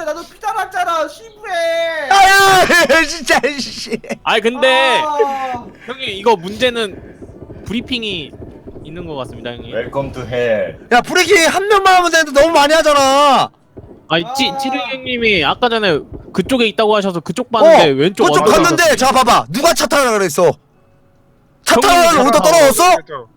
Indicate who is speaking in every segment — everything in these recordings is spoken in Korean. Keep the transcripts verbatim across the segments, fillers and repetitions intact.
Speaker 1: 그래 나도 피 달았잖아 시부해.
Speaker 2: 아유 진짜 씨.
Speaker 3: 아니 근데
Speaker 1: 아...
Speaker 3: 형님 이거 문제는 브리핑이 있는 것 같습니다 형님.
Speaker 4: 웰컴 투 헬.
Speaker 2: 야 브레이킹 한 명만 하면 되는데 너무 많이 하잖아.
Speaker 3: 아니
Speaker 1: 아.
Speaker 3: 찌 찌르 형님이 아까 전에 그쪽에 있다고 하셔서 그쪽 봤는데
Speaker 2: 어
Speaker 3: 왼쪽
Speaker 2: 그쪽
Speaker 3: 언덕에
Speaker 2: 갔는데
Speaker 3: 있었어요.
Speaker 2: 자 봐봐 누가 차 타라 그랬어. 차
Speaker 3: 형님이
Speaker 2: 타라는 오더 떨어졌어?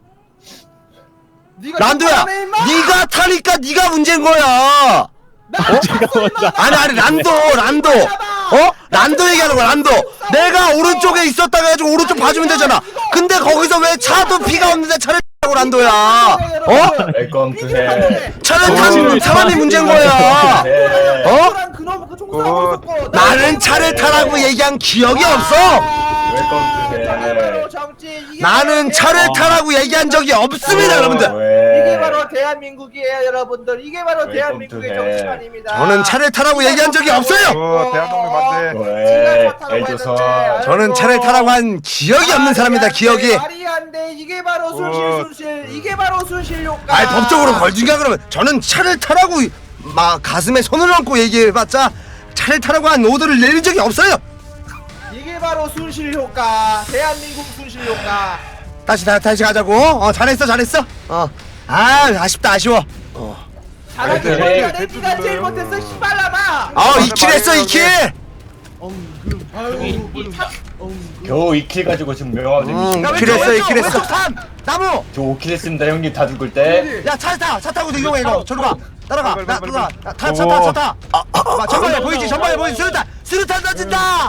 Speaker 1: 네가
Speaker 2: 란도야
Speaker 1: 잘하네, 임마!
Speaker 2: 네가 타니까 네가 문제인 거야.
Speaker 1: 나
Speaker 3: 제가 먼저
Speaker 2: 아니 아니 란도 란도 어? 란도 얘기하는 거야 란도. 내가 오른쪽에 있었다 해가지고 오른쪽 봐주면 되잖아. 근데 거기서 왜 차도 피가 없는데 차를 타고 란도야 어?
Speaker 4: 웰컴 투 헬.
Speaker 2: 차를
Speaker 3: 어,
Speaker 2: 타는 사람이 문제인 거야.
Speaker 4: 네.
Speaker 2: 어?
Speaker 1: 그놈 그 총싸고 있었고
Speaker 2: 나는 차를 타라고 얘기한 기억이 없어.
Speaker 4: 웰컴 투 헬.
Speaker 2: 나는 차를 타라고 얘기한 적이 없습니다 여러분들.
Speaker 1: 이게 바로 대한민국이에요 여러분들. 이게 바로
Speaker 4: 웰컴
Speaker 1: 대한민국의
Speaker 4: 투 헬.
Speaker 1: 정치관입니다.
Speaker 2: 저는 차를 타라고 얘기한 적이 없어요.
Speaker 5: 어, 대한민국 맞네.
Speaker 4: 왜? 애조선.
Speaker 2: 저는 차를 타라고 한 기억이 없는 사람이다 기억이.
Speaker 1: 말이 안 돼. 이게 바로 순실 순실. 이게 바로 순실 효과.
Speaker 2: 아니 법적으로 걸준가 그러면 저는 차를 타라고 막 가슴에 손을 얹고 얘기해봤자 차를 타라고 한 오더를 내린 적이 없어요.
Speaker 1: 이게 바로 순실 효과. 대한민국 순실 효과.
Speaker 2: 다시 다, 다시 가자고. 어 잘했어 잘했어. 어. 아 아쉽다 아쉬워. 어.
Speaker 1: 잘하기
Speaker 4: 네,
Speaker 1: 전에
Speaker 5: 네,
Speaker 1: 네가 제일
Speaker 5: 네,
Speaker 1: 못했어 씨발라마.
Speaker 2: 아 이 킬 했어 이 킬.
Speaker 1: 아유
Speaker 4: 겨우 이 킬 가지고 지금 명함
Speaker 2: 음,
Speaker 4: 좀.
Speaker 2: 이 킬 했어 이 킬 했어. 산 나무.
Speaker 4: 저 오 킬 했습니다 형님 다 죽을 때.
Speaker 2: 야 차 타 차 타고 이동해 이거 저리 가 따라가
Speaker 5: 빨리,
Speaker 2: 나
Speaker 5: 빨리,
Speaker 2: 누가
Speaker 5: 빨리.
Speaker 2: 타차 타 차 타. 아 전방에 보이지 전방에 보이지 수류탄 수류탄 던진다.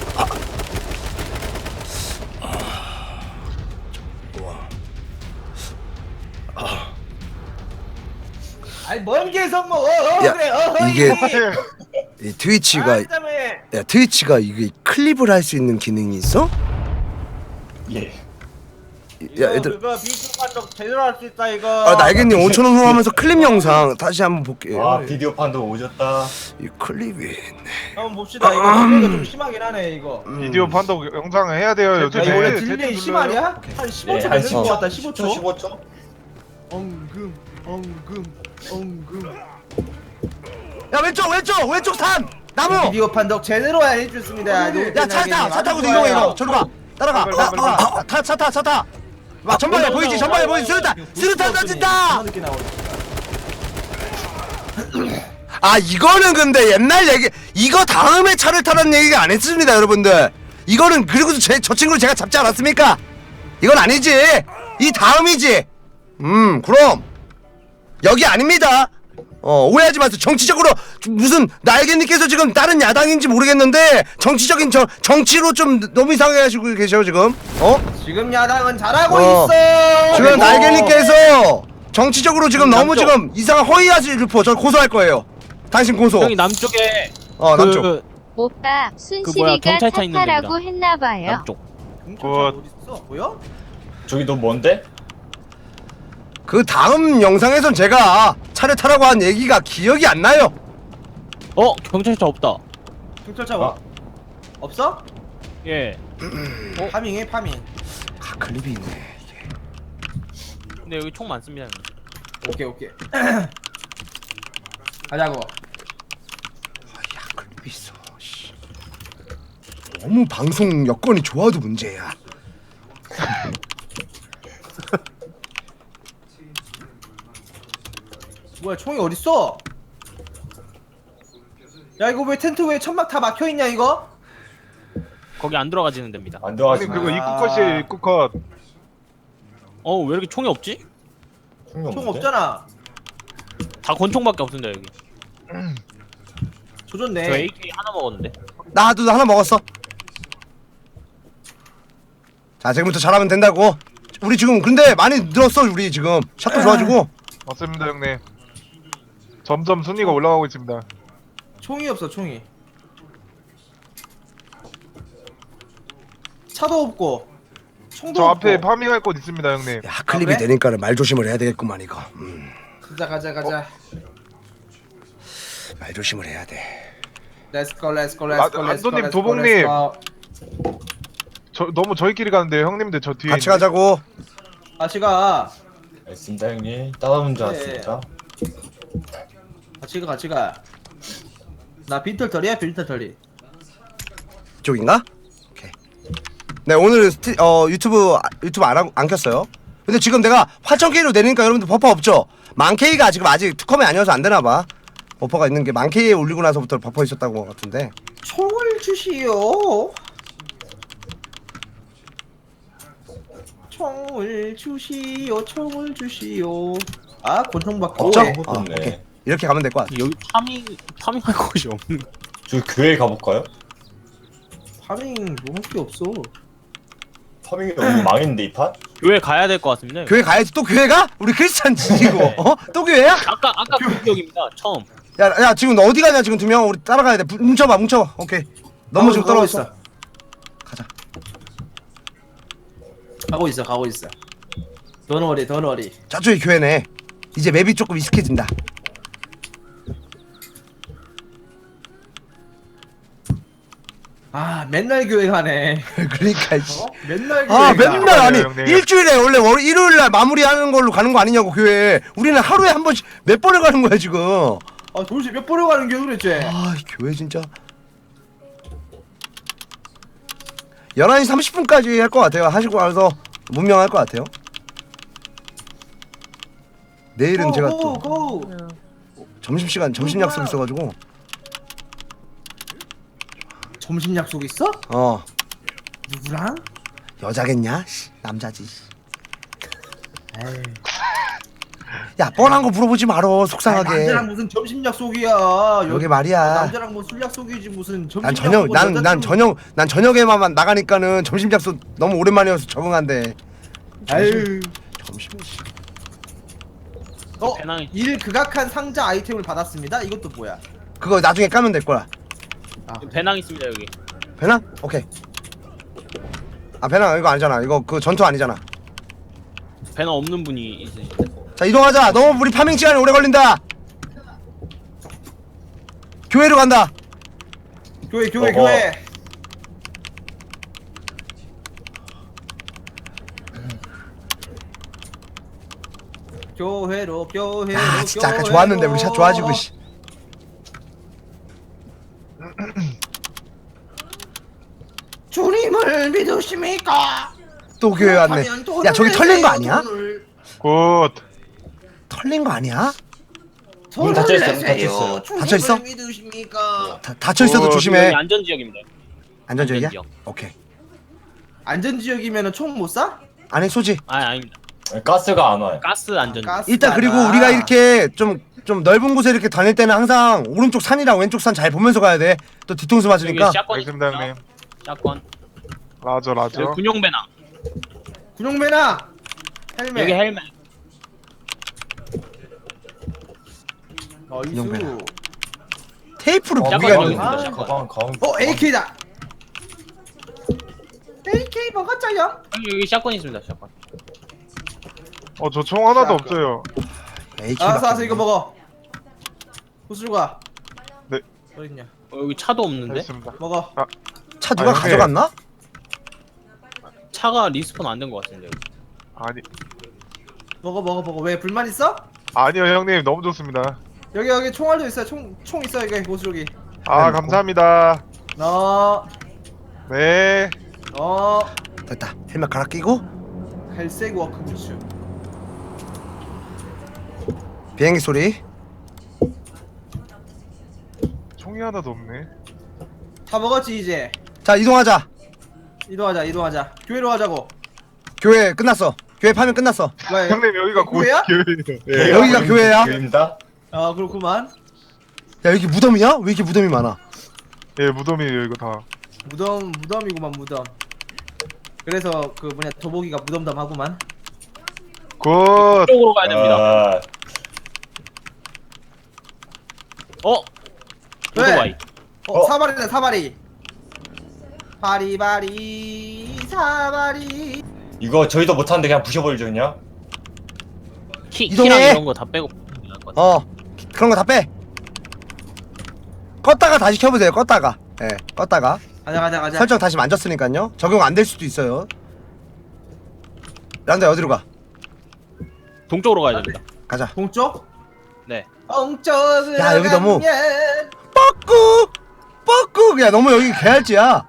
Speaker 1: 아니 먼 개성 뭐 어, 어,
Speaker 2: 야,
Speaker 1: 그래 어,
Speaker 2: 이게-
Speaker 1: 어,
Speaker 2: 이 트위치가
Speaker 1: 아, 그다음에
Speaker 2: 야 트위치가 이게 클립을 할 수 있는 기능이 있어?
Speaker 4: 예.
Speaker 2: 야
Speaker 1: 이거
Speaker 2: 얘들
Speaker 1: 그거 비디오 판독 제대로 할 수 있다 이거.
Speaker 2: 아 날개님 오천 원 후하면서 클립 영상 다시 한번 볼게요.
Speaker 4: 와 비디오 판도 오졌다.
Speaker 2: 이 클립이 있네.
Speaker 1: 한번 봅시다. 이거 딜레이가 좀 심하긴 하네 이거.
Speaker 5: 비디오 판독 영상을 해야 돼요
Speaker 1: 야,
Speaker 5: 요즘에.
Speaker 1: 이거 원래
Speaker 5: 대충
Speaker 1: 딜레이
Speaker 5: 눌러요.
Speaker 1: 심하냐? 한 십오 초
Speaker 4: 네, 한
Speaker 1: 되는 것 같다. 십오 초.
Speaker 4: 십오 초.
Speaker 1: 엉금 엉금 엉금.
Speaker 2: 야 왼쪽 왼쪽 왼쪽 산 나무.
Speaker 1: 비디오 판독 제대로 해줬습니다.
Speaker 2: 야 차 타 차 타고 이동해 이거 저리 가 따라가
Speaker 5: 빨리, 빨리,
Speaker 2: 나타차 타 차 타. 와 전방에 보이지 전방에 보이지 수류탄 수류탄 던진다. 아 이거는 근데 옛날 얘기 이거 다음에 차를 타라는 얘기가 안 했습니다 여러분들. 이거는 그리고 제, 저 친구를 제가 잡지 않았습니까? 이건 아니지 이 다음이지. 음 그럼 여기 아닙니다. 어 오해하지 마세요. 정치적으로 무슨 날개님께서 지금 다른 야당인지 모르겠는데 정치적인 저, 정치로 좀 너무 이상해 하시고 계셔 지금. 어?
Speaker 1: 지금 야당은 잘하고
Speaker 2: 어.
Speaker 1: 있어.
Speaker 2: 지금
Speaker 1: 그리고
Speaker 2: 날개님께서 정치적으로 지금 너무
Speaker 3: 남쪽.
Speaker 2: 지금 이상한 허위하실 르포 저 고소할 거예요. 당신 고소.
Speaker 3: 형이 남쪽에
Speaker 2: 어 남쪽.
Speaker 3: 그
Speaker 6: 오빠
Speaker 3: 뭐야,
Speaker 6: 순실이가
Speaker 3: 경찰차 있는
Speaker 6: 타타라고
Speaker 3: 데입니다.
Speaker 6: 했나봐요.
Speaker 3: 남쪽.
Speaker 1: 경찰차 어디 있어? 보여?
Speaker 4: 저기 너 뭔데?
Speaker 2: 그 다음 영상에선 제가 차를 타라고 한 얘기가 기억이 안 나요.
Speaker 3: 어 경찰차 없다.
Speaker 1: 경찰차
Speaker 4: 아.
Speaker 1: 뭐? 없어?
Speaker 3: 예.
Speaker 1: 어? 파밍해 파밍.
Speaker 2: 아 클립이 있네.
Speaker 3: 근데 여기 총 많습니다 형님.
Speaker 1: 오케이 오케이. 가자고.
Speaker 2: 야 클립이 있어. 씨. 너무 방송 여건이 좋아도 문제야.
Speaker 1: 뭐야 총이 어딨어? 야 이거 왜 텐트 왜 천막 다 막혀있냐 이거?
Speaker 3: 거기 안 들어가지는 됩니다.
Speaker 4: 안
Speaker 5: 형님
Speaker 4: 들어가시네.
Speaker 5: 그거 입구 컷이에요 입구 컷.
Speaker 3: 어 왜 이렇게 총이 없지?
Speaker 4: 총이
Speaker 1: 총
Speaker 4: 없는데?
Speaker 1: 없잖아.
Speaker 3: 다 권총밖에 없습니다 여기.
Speaker 1: 조졌네.
Speaker 3: 저 에이케이 하나 먹었는데.
Speaker 2: 나도 하나 먹었어. 자 지금부터 잘하면 된다고. 우리 지금 근데 많이 늘었어 우리 지금 샷도 좋아지고.
Speaker 5: 맞습니다 형님. 점점 순위가 올라가고 있습니다.
Speaker 1: 총이 없어 총이. 차도 없고 총도
Speaker 5: 저
Speaker 1: 없고.
Speaker 5: 앞에 파밍할 곳 있습니다 형님.
Speaker 2: 야 클립이
Speaker 1: 아, 그래?
Speaker 2: 되니까는 말 조심을 해야 되겠구만 이거. 음,
Speaker 1: 가자 가자 가자.
Speaker 2: 말 조심을 해야 돼.
Speaker 1: 렛츠고 렛츠고
Speaker 5: 아,
Speaker 1: 렛츠고 렛츠고
Speaker 5: 안도님,
Speaker 1: 렛츠고,
Speaker 5: 도봉님.
Speaker 1: 렛츠고.
Speaker 5: 저 너무 저희끼리 가는데 형님들 저 뒤에.
Speaker 2: 같이
Speaker 5: 있는데.
Speaker 2: 가자고.
Speaker 1: 같이 가.
Speaker 4: 알겠습니다 형님. 따라온 줄
Speaker 1: 네.
Speaker 4: 알았습니다.
Speaker 1: 같이 가 같이 가. 나 빈털털이야 빈털털이.
Speaker 2: 이쪽인가? 오케이. 네 오늘 스티, 어 유튜브 유튜브 안, 하고, 안 켰어요. 근데 지금 내가 팔천 케이로 내리니까 여러분들 버퍼 없죠? 만 케이가 지금 아직 투컴이 아니어서 안 되나봐. 버퍼가 있는 게 만 케이에 올리고 나서부터 버퍼 있었다고 것 같은데.
Speaker 1: 총을 주시오. 총을 주시오. 총을 주시오. 아 권총밖에
Speaker 2: 없죠?
Speaker 1: 오해.
Speaker 2: 아,
Speaker 4: 없네.
Speaker 2: 오케이. 이렇게 가면 될 것 같아.
Speaker 3: 여기 파밍 파밍할 곳이 없는.
Speaker 4: 저기 교회 가볼까요?
Speaker 1: 파밍 뭐 할 게 없어.
Speaker 4: 파밍이 너무 망했는데 이 판?
Speaker 3: 교회 가야 될 것 같습니다.
Speaker 2: 교회 가야지. 또 교회가? 우리 크리스찬 지지고. 어? 또 교회야?
Speaker 3: 아까 아까 그 기억입니다. 처음.
Speaker 2: 야, 야 지금 너 어디 가냐 지금 두 명. 우리 따라가야 돼. 부- 뭉쳐봐 뭉쳐. 오케이. 너무 지금
Speaker 1: 가고
Speaker 2: 떨어졌어.
Speaker 1: 있어.
Speaker 2: 가자.
Speaker 1: 가고 있어 가고 있어. 더너리 더너리.
Speaker 2: 저쪽이 교회네. 이제 맵이 조금 익숙해진다.
Speaker 1: 아 맨날 교회 가네.
Speaker 2: 그러니까 씨.
Speaker 1: 어? 맨날 교회
Speaker 2: 아
Speaker 1: 가.
Speaker 2: 맨날 아니
Speaker 5: 형님.
Speaker 2: 일주일에 원래 월 일요일날 마무리하는 걸로 가는 거 아니냐고 교회. 우리는 하루에 한 번씩 몇 번을 가는 거야 지금.
Speaker 1: 아 도대체 몇 번을 가는 게 그랬지?
Speaker 2: 아 이 교회 진짜 열한 시 삼십 분까지 할 것 같아요. 하시고 와서 문명할 것 같아요. 내일은 제가 또
Speaker 1: 고, 고.
Speaker 2: 점심시간 점심 약속 있어가지고
Speaker 1: 점심 약속 있어?
Speaker 2: 어
Speaker 1: 누구랑?
Speaker 2: 여자겠냐? 씨, 남자지.
Speaker 1: 에이.
Speaker 2: 야 뻔한 거 물어보지 말어
Speaker 1: 아니,
Speaker 2: 속상하게.
Speaker 1: 남자랑 무슨 점심 약속이야.
Speaker 2: 여기
Speaker 1: 여기
Speaker 2: 말이야.
Speaker 1: 남자랑 뭐 술 약속이지 무슨 점심
Speaker 2: 난 저녁
Speaker 1: 약속은
Speaker 2: 난 난
Speaker 1: 여자친구-
Speaker 2: 저녁 난 저녁에만 나가니까는 점심 약속 너무 오랜만이어서 적응한대.
Speaker 1: 아유.
Speaker 2: 점심 씨.
Speaker 1: 어?
Speaker 3: 배낭이-
Speaker 1: 일 극악한 상자 아이템을 받았습니다. 이것도 뭐야?
Speaker 2: 그거 나중에 까면 될 거야.
Speaker 1: 아,
Speaker 3: 배낭 있습니다 여기.
Speaker 2: 배낭? 오케이. 아 배낭 이거 아니잖아. 이거 그 전투 아니잖아.
Speaker 3: 배낭 없는 분이 있으신데.
Speaker 2: 자 이동하자. 너무 우리 파밍 시간이 오래 걸린다. 교회로 간다.
Speaker 1: 교회 교회
Speaker 4: 어허.
Speaker 1: 교회. 교회로 교회로
Speaker 2: 아 진짜 아까
Speaker 1: 교회로.
Speaker 2: 좋았는데 우리 샷 좋아지고 씨.
Speaker 1: 주님을 믿으십니까?
Speaker 2: 또 교회 왔네.
Speaker 1: 그렇다면 돈을
Speaker 2: 야 저기 털린 거
Speaker 1: 내세요,
Speaker 2: 아니야?
Speaker 1: 돈을.
Speaker 5: 굿.
Speaker 2: 털린 거 아니야?
Speaker 1: 돈을
Speaker 4: 닫혀 있어요,
Speaker 1: 내세요.
Speaker 4: 닫혀 있어요.
Speaker 1: 주님을
Speaker 2: 닫혀 있어?
Speaker 1: 믿으십니까?
Speaker 2: 다, 닫혀 있어도
Speaker 5: 어,
Speaker 2: 조심해.
Speaker 3: 여기 안전 지역입니다.
Speaker 2: 안전지역이야?
Speaker 3: 안전지역.
Speaker 2: 오케이.
Speaker 1: 안전지역이면은 총 못 쏴?
Speaker 2: 안에 소지.
Speaker 3: 아 아닙니다.
Speaker 4: 가스가 안 와요.
Speaker 3: 가스 안전. 지역.
Speaker 1: 가스가
Speaker 2: 일단 그리고
Speaker 1: 나.
Speaker 2: 우리가 이렇게 좀 좀 넓은 곳에 이렇게 다닐 때는 항상 오른쪽 산이랑 왼쪽 산 잘 보면서 가야 돼. 또 뒤통수
Speaker 3: 여기
Speaker 2: 맞으니까.
Speaker 3: 샷건
Speaker 5: 알겠습니다
Speaker 3: 있습니다.
Speaker 5: 형님.
Speaker 3: 샷건.
Speaker 5: 라저 라저.
Speaker 3: 여기 군용 배낭.
Speaker 1: 군용배나 헬멧.
Speaker 3: 여기 헬멧.
Speaker 1: 나이스.
Speaker 2: 테이프를
Speaker 4: 어,
Speaker 2: 무기가
Speaker 3: 샷건
Speaker 2: 있는
Speaker 3: 여기
Speaker 2: 거야.
Speaker 3: 있습니다. 샷건.
Speaker 4: 가방 가방.
Speaker 1: 어 에이케이다. 에이케이 먹었죠요?
Speaker 3: 여기, 여기 샷건 있습니다. 샷건.
Speaker 5: 어 저 총 하나도
Speaker 1: 자,
Speaker 5: 없어요.
Speaker 2: 에이케이
Speaker 1: 알았어 알았어
Speaker 2: 밖에
Speaker 1: 이거
Speaker 2: 없네.
Speaker 1: 먹어. 호술가.
Speaker 5: 네.
Speaker 1: 어디 있냐?
Speaker 3: 어, 여기 차도 없는데?
Speaker 5: 알겠습니다.
Speaker 1: 먹어.
Speaker 2: 차 누가
Speaker 5: 아, 형님.
Speaker 2: 가져갔나?
Speaker 3: 차가 리스폰 안 된 것 같은데. 여기.
Speaker 5: 아니
Speaker 1: 먹어 먹어 먹어. 왜 불만 있어?
Speaker 5: 아니요 형님 너무 좋습니다.
Speaker 1: 여기 여기 총알도 있어요. 총 총 있어 여기 호술기.
Speaker 5: 아
Speaker 2: 먹고.
Speaker 5: 감사합니다.
Speaker 1: 너
Speaker 5: 네.
Speaker 1: 어
Speaker 2: 됐다. 헬멧 갈아 끼고
Speaker 1: 갈색 워크부츠.
Speaker 2: 비행기 소리.
Speaker 5: 총이 하나도 없네.
Speaker 1: 다 먹었지 이제.
Speaker 2: 자 이동하자.
Speaker 1: 이동하자 이동하자. 교회로 가자고.
Speaker 2: 교회 끝났어. 교회 파면 끝났어.
Speaker 1: 왜?
Speaker 5: 형님 여기가 곧
Speaker 1: 교회야?
Speaker 5: 교회예요.
Speaker 2: 네, 여기가 교회야?
Speaker 4: 교회입니다.
Speaker 1: 아 그렇구만.
Speaker 2: 야 여기 무덤이야? 왜 이렇게 무덤이 많아?
Speaker 5: 예 무덤이에요 이거 다.
Speaker 1: 무덤 무덤이구만 무덤. 그래서 그 뭐냐 도복이가 무덤덤하구만.
Speaker 5: 굿.
Speaker 3: 이쪽으로 가야 됩니다.
Speaker 4: 아,
Speaker 3: 어?
Speaker 1: 왜?
Speaker 3: 오토바이.
Speaker 1: 어,
Speaker 4: 어?
Speaker 1: 사발이네 사발이. 바리바리 사발이.
Speaker 4: 이거 저희도 못하는데 그냥 부셔버리죠 그냥.
Speaker 3: 키,
Speaker 2: 이동해.
Speaker 3: 키랑 이런 거 다 빼고 나을 것 같아.
Speaker 2: 어 그런 거 다 빼. 껐다가 다시 켜보세요. 껐다가. 예, 네, 껐다가
Speaker 1: 가자 가자 가자.
Speaker 2: 설정 다시 만졌으니까요. 적용 안 될 수도 있어요. 란다 어디로 가?
Speaker 3: 동쪽으로 가야 됩니다.
Speaker 2: 가자.
Speaker 1: 동쪽?
Speaker 3: 네.
Speaker 1: 동쪽으로
Speaker 2: 야, 여기 너무-
Speaker 1: 가면
Speaker 2: 빠꾸 야 너무 여기 개할지야.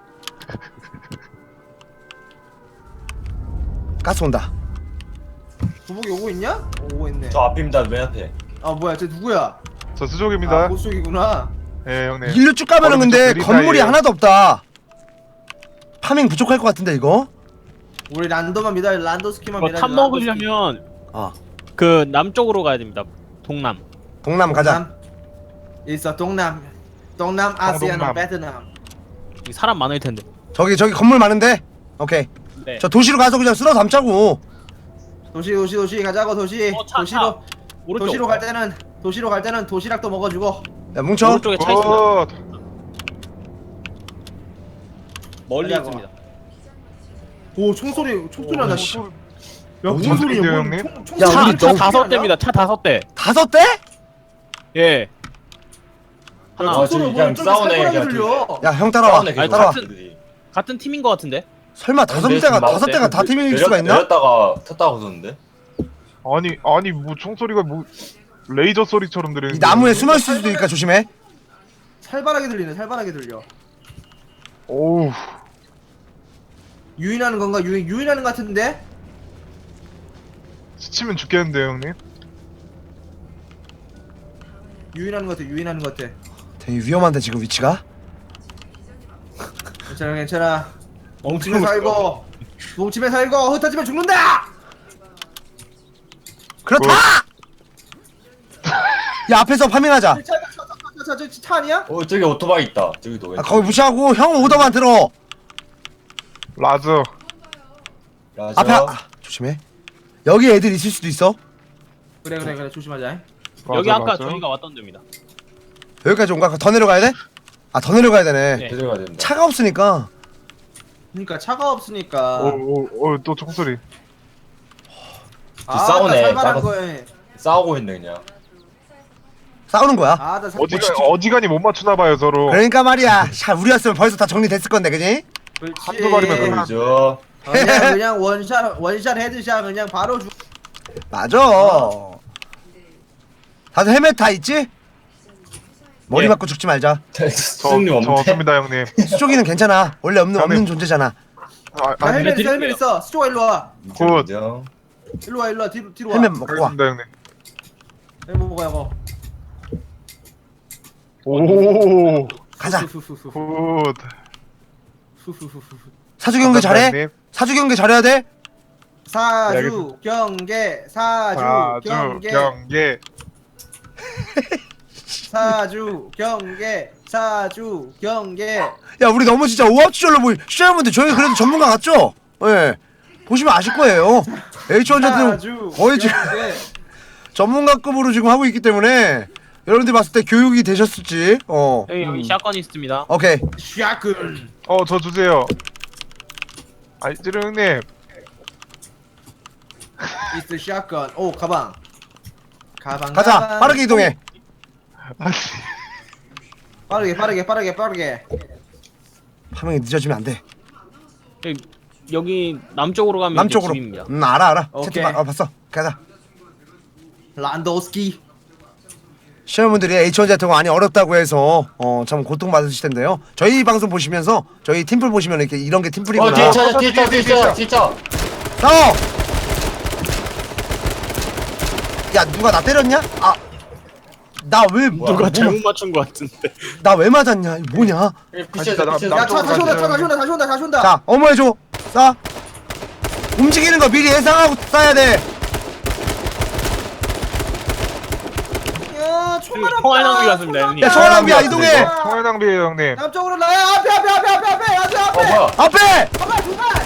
Speaker 2: 가스 온다.
Speaker 1: 도복이 오고 있냐? 오고 있네.
Speaker 4: 저 앞입니다. 맨 앞에.
Speaker 1: 아 뭐야 쟤 누구야?
Speaker 5: 저
Speaker 1: 아
Speaker 5: 수족입니다.
Speaker 1: 보속이구나.
Speaker 5: 예 형님.
Speaker 2: 일로 쭉 가면은
Speaker 5: 거기
Speaker 2: 근데
Speaker 5: 좀
Speaker 2: 건물이
Speaker 5: 느리다,
Speaker 2: 하나도 없다. 파밍 부족할 것 같은데 이거?
Speaker 1: 우리 란도만 믿어. 란도스키만
Speaker 3: 이거
Speaker 1: 믿어.
Speaker 3: 탑 먹으려면
Speaker 2: 어
Speaker 3: 그 남쪽으로 가야 됩니다. 동남.
Speaker 2: 동남 가자.
Speaker 1: 동남. 있어 동남. 동남 아시아는
Speaker 5: 동동남.
Speaker 1: 베트남.
Speaker 3: 여기 사람 많을 텐데.
Speaker 2: 저기 저기 건물 많은데? 오케이.
Speaker 3: 네.
Speaker 2: 저 도시로 가서 그냥 쓸어 담자고.
Speaker 1: 도시 도시 도시 가자고 도시.
Speaker 3: 어, 차,
Speaker 1: 도시로
Speaker 3: 차. 오른쪽.
Speaker 1: 도시로 갈 때는 도시로 갈 때는 도시락도 먹어주고.
Speaker 2: 야 뭉쳐.
Speaker 3: 오른쪽에 차 있습니다.
Speaker 5: 어,
Speaker 3: 멀리
Speaker 1: 가자고.
Speaker 3: 있습니다.
Speaker 1: 오 총소리 총소리 난다. 씨. 야
Speaker 5: 무슨
Speaker 1: 무슨 소리야?
Speaker 5: 소리인데요,
Speaker 1: 뭐,
Speaker 5: 형님?
Speaker 1: 총- 총
Speaker 2: 야,
Speaker 1: 소리
Speaker 2: 우리
Speaker 1: 아니야?
Speaker 3: 차
Speaker 2: 너무
Speaker 3: 다섯
Speaker 1: 아니야?
Speaker 3: 대입니다. 차 다섯 대.
Speaker 2: 다섯 대?
Speaker 3: 예. 하나.
Speaker 4: 아,
Speaker 1: 총소리
Speaker 4: 저기
Speaker 1: 뭐
Speaker 4: 그냥
Speaker 1: 저기
Speaker 4: 싸우네,
Speaker 1: 살벌하게
Speaker 4: 그냥
Speaker 1: 들려.
Speaker 2: 야 형 따라와.
Speaker 4: 싸우네, 계속.
Speaker 2: 따라와.
Speaker 4: 애들이.
Speaker 3: 같은 팀인 것 같은데.
Speaker 2: 설마 다섯
Speaker 4: 근데
Speaker 2: 대가
Speaker 4: 지금
Speaker 2: 다섯 대가 다 팀일
Speaker 4: 내렸-
Speaker 2: 수가 있나?
Speaker 4: 내렸다가 탔다고 그러는데.
Speaker 5: 아니 아니 뭐 총소리가 뭐 레이저 소리처럼 들리는.
Speaker 2: 이 나무에 숨어 있을 수도 있으니까 조심해.
Speaker 1: 살벌하게 들리네. 살벌하게 들려.
Speaker 5: 오우.
Speaker 1: 유인하는 건가? 유인 유인하는 것 같은데?
Speaker 5: 스치면 죽겠는데요 형님.
Speaker 1: 유인하는 것 같아. 유인하는 것 같아.
Speaker 2: 되게 위험한데 지금 위치가.
Speaker 1: 괜찮아 괜찮아. 뭉치면 살고 뭉치면 살고 흩어지면 죽는다.
Speaker 2: 그렇다. 야 앞에서 파밍하자.
Speaker 1: 차차차차차 차 아니야?
Speaker 4: 어 저기 오토바이 있다. 저기도.
Speaker 2: 아, 거기 무시하고 형 오더만 들어.
Speaker 5: 라즈.
Speaker 4: 라저.
Speaker 2: 앞에 아, 조심해. 여기 애들 있을 수도 있어.
Speaker 1: 그래 그래 그래 조심하자.
Speaker 3: 여기
Speaker 5: 라즈,
Speaker 3: 아까
Speaker 5: 라즈.
Speaker 3: 저희가 왔던 데입니다.
Speaker 2: 여기까지 온가? 더 내려가야 돼? 아 더 내려가야 되네.
Speaker 3: 네.
Speaker 4: 들어가야 된다.
Speaker 2: 차가 없으니까.
Speaker 1: 그러니까 차가 없으니까.
Speaker 5: 오오오또 총소리.
Speaker 1: 아,
Speaker 4: 싸우네.
Speaker 1: 나 살벌한
Speaker 4: 싸우-
Speaker 1: 거에.
Speaker 4: 싸우고 있네 그냥.
Speaker 2: 싸우는 거야.
Speaker 1: 아, 나 살.
Speaker 5: 어지간 어지간히 못 맞추나 봐요 서로.
Speaker 2: 그러니까 말이야. 샤 우리였으면 벌써 다 정리됐을 건데, 그지?
Speaker 1: 그렇지.
Speaker 5: 한두 마리면 끝나.
Speaker 4: 그죠.
Speaker 1: 그냥 그냥 원샷 원샷 헤드샷 그냥 바로 죽.
Speaker 2: 맞아. 다들 헬멧 다 있지? 머리
Speaker 3: 예.
Speaker 2: 맞고 죽지 말자.
Speaker 5: 저,
Speaker 4: 수님
Speaker 5: 저
Speaker 4: 없네.
Speaker 5: 없습니다 형님.
Speaker 2: 수족이는 괜찮아. 원래 없는 없는
Speaker 5: 형님.
Speaker 2: 존재잖아.
Speaker 5: 아,
Speaker 1: 야,
Speaker 5: 아
Speaker 1: 헬멧 있어
Speaker 3: 드릴게요.
Speaker 1: 헬멧 있어. 스토어 일로 와.
Speaker 5: 굿.
Speaker 4: 인정.
Speaker 1: 일로 와 일로 와 뒤로 뒤로 와.
Speaker 2: 헬멧 먹고 와.
Speaker 5: 알겠습니다 형님.
Speaker 1: 헬멧 먹어야 고.
Speaker 5: 오.
Speaker 2: 가자.
Speaker 1: 후후후후.
Speaker 5: 굿.
Speaker 1: 후후후후.
Speaker 2: 사주 경계 잘해.
Speaker 5: 형님.
Speaker 2: 사주 경계 잘해야 돼.
Speaker 1: 사주 경계 사주
Speaker 5: 사주
Speaker 1: 경계
Speaker 5: 경계.
Speaker 1: 사주 경계 사주 경계.
Speaker 2: 야 우리 너무 진짜 오합지졸로 보이. 시청자분들 저희 그래도 전문가 같죠? 예. 보시면 아실 거예요. 에이치 원자는
Speaker 1: 사주
Speaker 2: 거의 지금
Speaker 1: 경계.
Speaker 2: 전문가급으로 지금 하고 있기 때문에 여러분들 봤을 때 교육이 되셨을지. 어.
Speaker 3: 여기 여기 샷건이 있습니다.
Speaker 2: 오케이.
Speaker 1: 샷건.
Speaker 5: 어 저 주세요. 아이 찌르 형님.
Speaker 1: 이스 샷건. 오 가방. 가방.
Speaker 2: 가자.
Speaker 1: 가방.
Speaker 2: 빠르게 이동해.
Speaker 5: 아니.
Speaker 1: 빠르게 빠르게 빠르게 빠르게.
Speaker 2: 파밍이 늦어지면 안 돼.
Speaker 3: 여기, 여기 남쪽으로 가면
Speaker 2: 남쪽으로.
Speaker 3: 이제 집입니다.
Speaker 2: 음 알아 알아.
Speaker 1: 오케이.
Speaker 2: 채팅 봐. 어, 봤어. 가자.
Speaker 1: 란도스키.
Speaker 2: 시청자분들이 에이치 원 같은 거 많이 어렵다고 해서 어 참 고통 받으실 텐데요. 저희 방송 보시면서 저희 팀플 보시면 이렇게 이런 게
Speaker 4: 어
Speaker 2: 팀플이구나.
Speaker 4: 뒤에 차 뒤에 차 뒤에 차 뒤에 차.
Speaker 2: 싸워. 야 누가 나 때렸냐? 아. 나 왜
Speaker 3: 누가 잘못 맞춘 것 같은데.
Speaker 2: 나 왜 맞았냐? 이거 뭐냐?
Speaker 4: 피치에서
Speaker 5: 나-
Speaker 4: 피치에서.
Speaker 5: 나-
Speaker 1: 야차 다시 온다 차 다시 온다 다시 온다 다시 온다.
Speaker 2: 자 어머 해줘. 싸. 움직이는 거 미리 예상하고 쏴야 돼.
Speaker 1: 야 총알 없다.
Speaker 3: 총알 낭비 같습니다, 형님.
Speaker 2: 야 총알 낭비야 이동해.
Speaker 5: 총알 낭비에요 형님.
Speaker 1: 남쪽으로 나야 앞에 앞에 앞에 앞에 앞에 앞에
Speaker 4: 어
Speaker 1: 앞에.
Speaker 4: 뭐야?
Speaker 2: 앞에.
Speaker 1: 가만 두마.